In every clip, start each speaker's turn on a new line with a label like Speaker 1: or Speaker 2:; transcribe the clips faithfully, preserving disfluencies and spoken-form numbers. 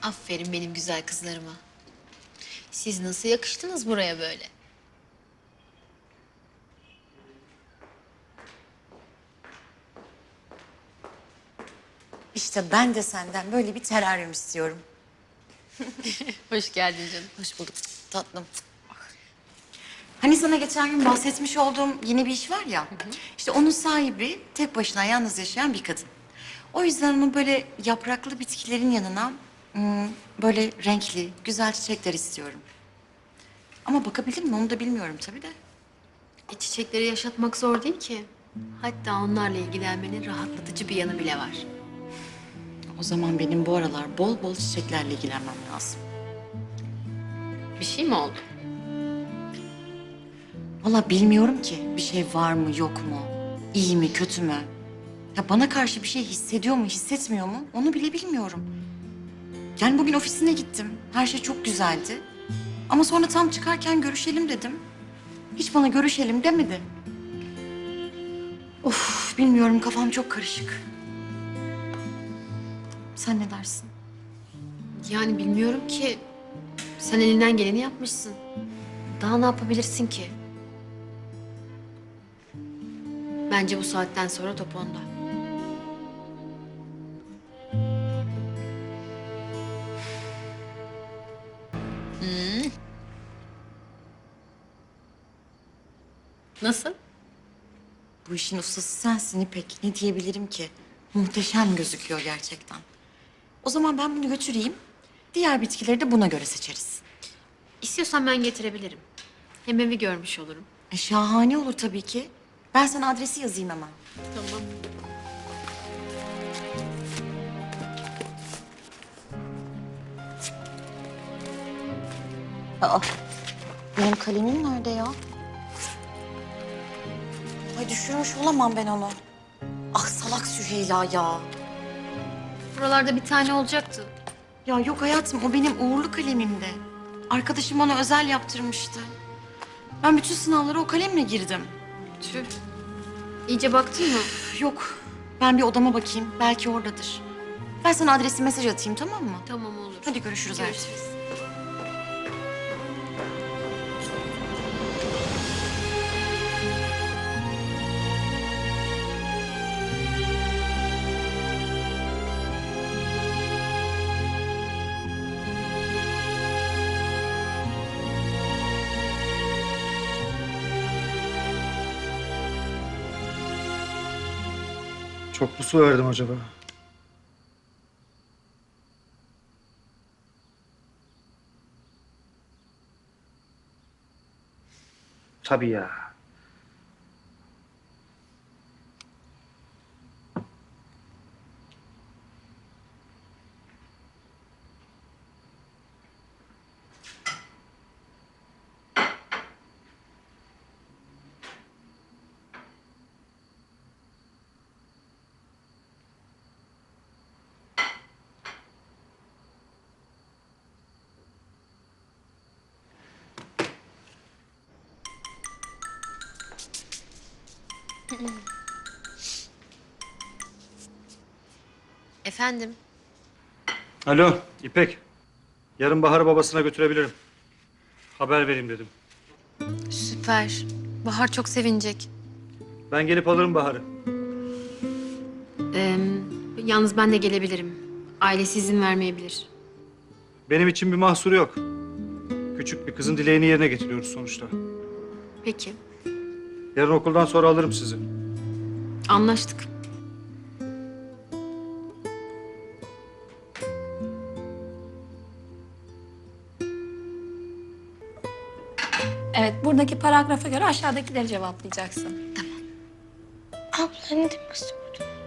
Speaker 1: Aferin benim güzel kızlarıma. Siz nasıl yakıştınız buraya böyle?
Speaker 2: İşte ben de senden böyle bir teraryum istiyorum.
Speaker 1: Hoş geldin canım.
Speaker 2: Hoş bulduk tatlım. Hani sana geçen gün bahsetmiş olduğum yeni bir iş var ya. Hı hı. İşte onun sahibi tek başına yalnız yaşayan bir kadın. O yüzden onu böyle yapraklı bitkilerin yanına hmm, böyle renkli, güzel çiçekler istiyorum. Ama bakabilir mi onu da bilmiyorum tabii de.
Speaker 1: E, çiçekleri yaşatmak zor değil ki. Hatta onlarla ilgilenmenin rahatlatıcı bir yanı bile var.
Speaker 2: O zaman benim bu aralar bol bol çiçeklerle ilgilenmem lazım.
Speaker 1: Bir şey mi oldu?
Speaker 2: Vallahi bilmiyorum ki bir şey var mı yok mu, iyi mi kötü mü? Ya bana karşı bir şey hissediyor mu hissetmiyor mu onu bile bilmiyorum. Yani bugün ofisine gittim, her şey çok güzeldi. Ama sonra tam çıkarken görüşelim dedim. Hiç bana görüşelim demedi. Of bilmiyorum kafam çok karışık. Sen ne dersin?
Speaker 1: Yani bilmiyorum ki. Sen elinden geleni yapmışsın. Daha ne yapabilirsin ki? Bence bu saatten sonra top onda. Hmm. Nasıl?
Speaker 2: Bu işin ustası sensin İpek. Ne diyebilirim ki? Muhteşem gözüküyor gerçekten. O zaman ben bunu götüreyim. Diğer bitkileri de buna göre seçeriz.
Speaker 1: İstiyorsan ben getirebilirim. Hem evi görmüş olurum.
Speaker 2: E, şahane olur tabii ki. Ben sana adresi yazayım hemen.
Speaker 1: Tamam.
Speaker 2: Aa, benim kalemim nerede ya? Ay düşürmüş olamam ben onu. Ah salak Süheyla ya.
Speaker 1: Buralarda bir tane olacaktı.
Speaker 2: Ya yok hayatım o benim uğurlu kalemimdi. Arkadaşım bana özel yaptırmıştı. Ben bütün sınavlara o kalemle girdim.
Speaker 1: Tüh. İyice baktın mı?
Speaker 2: Yok ben bir odama bakayım belki oradadır. Ben sana adresi mesaj atayım tamam mı?
Speaker 1: Tamam olur.
Speaker 2: Hadi görüşürüz hayatım.
Speaker 1: Görüşürüz.
Speaker 3: Çok mu su verdim acaba? Tabii ya.
Speaker 1: Efendim?
Speaker 3: Alo İpek. Yarın Bahar'ı babasına götürebilirim. Haber vereyim dedim.
Speaker 1: Süper. Bahar çok sevinecek.
Speaker 3: Ben gelip alırım Bahar'ı.
Speaker 1: Ee, yalnız ben de gelebilirim. Ailesi izin vermeyebilir.
Speaker 3: Benim için bir mahsuru yok. Küçük bir kızın dileğini yerine getiriyoruz sonuçta.
Speaker 1: Peki.
Speaker 3: Yarın okuldan sonra alırım sizi.
Speaker 1: Anlaştık.
Speaker 4: Evet, buradaki paragrafa göre aşağıdakileri cevaplayacaksın.
Speaker 5: Abla ne demek istiyorsun?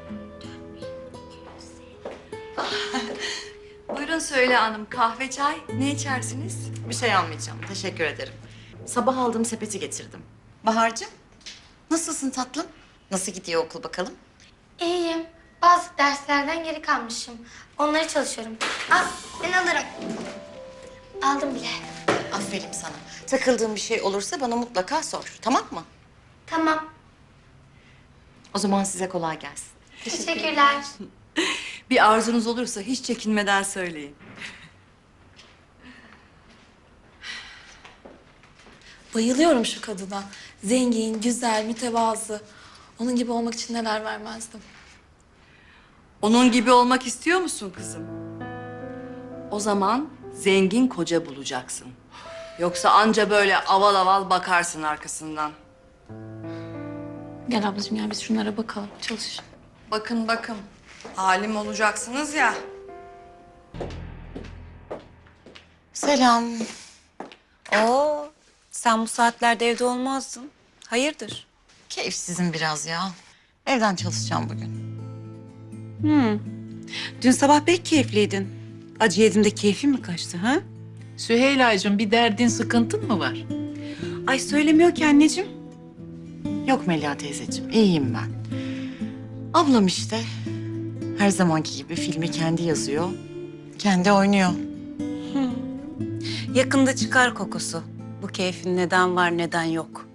Speaker 2: Buyurun Söyle Hanım kahve çay ne içersiniz? Bir şey almayacağım teşekkür ederim. Sabah aldığım sepeti getirdim. Bahar'cığım nasılsın tatlım? Nasıl gidiyor okul bakalım?
Speaker 5: İyiyim. Bazı derslerden geri kalmışım. Onları çalışıyorum. Al, ben alırım. Aldım bile.
Speaker 2: Aferin sana. Takıldığın bir şey olursa bana mutlaka sor. Tamam mı?
Speaker 5: Tamam.
Speaker 2: O zaman size kolay gelsin.
Speaker 5: Teşekkürler.
Speaker 6: Bir arzunuz olursa hiç çekinmeden söyleyin.
Speaker 4: Bayılıyorum şu kadına. Zengin, güzel, mütevazı. Onun gibi olmak için neler vermezdim.
Speaker 6: Onun gibi olmak istiyor musun kızım? O zaman zengin koca bulacaksın. Yoksa anca böyle aval aval bakarsın arkasından.
Speaker 4: Gel ablacığım gel biz şunlara bakalım. Çalış.
Speaker 6: Bakın bakın. Halim olacaksınız ya.
Speaker 2: Selam. Oo, sen bu saatlerde evde olmazdın. Hayırdır? Keyifsizim biraz ya. Evden çalışacağım bugün.
Speaker 7: Dün sabah pek keyifliydin. Acı yedim de keyfin mi kaçtı ha?
Speaker 8: Süheyla'cığım bir derdin, sıkıntın mı var?
Speaker 7: Ay söylemiyor ki anneciğim.
Speaker 2: Yok Melia teyzeciğim, iyiyim ben. Ablam işte. Her zamanki gibi filmi kendi yazıyor, kendi oynuyor.
Speaker 7: Yakında çıkar kokusu. Bu keyfin neden var neden yok.